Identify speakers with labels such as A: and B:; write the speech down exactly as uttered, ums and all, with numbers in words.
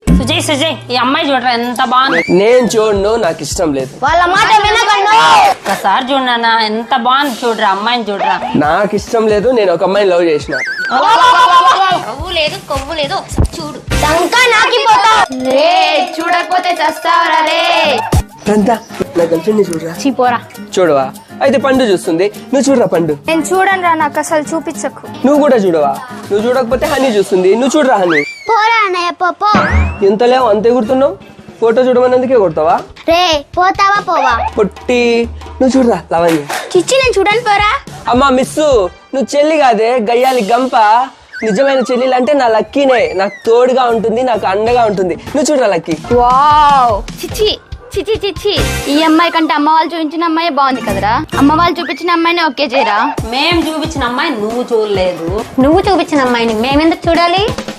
A: సుజయ్ సుజయ్ ఈ అమ్మాయి చూడరా ఎంత బాగుంది.
B: నేను చూడను, నాకు ఇష్టం లేదు.
C: వాళ్ళ మాట వినకండి.
A: ఒకసారి చూడనా ఎంత బాగుంది చూడరా అమ్మాయిని చూడరా.
B: నాకు ఇష్టం లేదు, నేను ఒక అమ్మాయిని లవ్ చేసిన.
C: కొవ్వు లేదు కొవ్వు లేదు చూడు సంకా నాకిపోతా రే చూడకపోతే చస్తావరా రే.
B: నా గర్ల్ ఫ్రెండ్ ని చూడరా.
C: చీపోరా
B: చూడవా? అయితే పండు చూస్తుంది, నువ్వు చూడరా పండు.
C: నేను చూడను రా, నాకు అసలు చూపించకు.
B: నువ్వు కూడా చూడవా? నువ్వు చూడకపోతే హనీ చూస్తుంది, నువ్వు చూడరా హనీ.
C: పోరా అన్నయ్య పో.
B: ఎంత లేవు అంతే గుర్తున్నావు. ఫోటో చూడమన్నందుకే కొడతావా?
C: రే పోతావా పోవా?
B: పొట్టి నువ్వు చూడరా లవణ్య.
C: చిచ్చి నేను చూడను పోరా.
B: అమ్మా మిస్సు, నువ్వు చెల్లి కాదే గయ్యాలి గంప. నిజమైన చెల్లెలు అంటే నా లక్కీనే, నాకు తోడుగా ఉంటుంది, నాకు అండగా ఉంటుంది. నువ్వు చూడరా లక్కీ.
C: వావ్ చిచ్చి చిచి చిచ్చి ఈ అమ్మాయి కంటే అమ్మ వాళ్ళు చూపించిన అమ్మాయి బాగుంది కదరా. అమ్మ వాళ్ళు చూపించిన అమ్మాయిని ఓకే చేయరా.
A: మేం చూపించిన అమ్మాయి నువ్వు చూడలేదు.
C: నువ్వు చూపించిన అమ్మాయిని మేమెందుకు చూడాలి?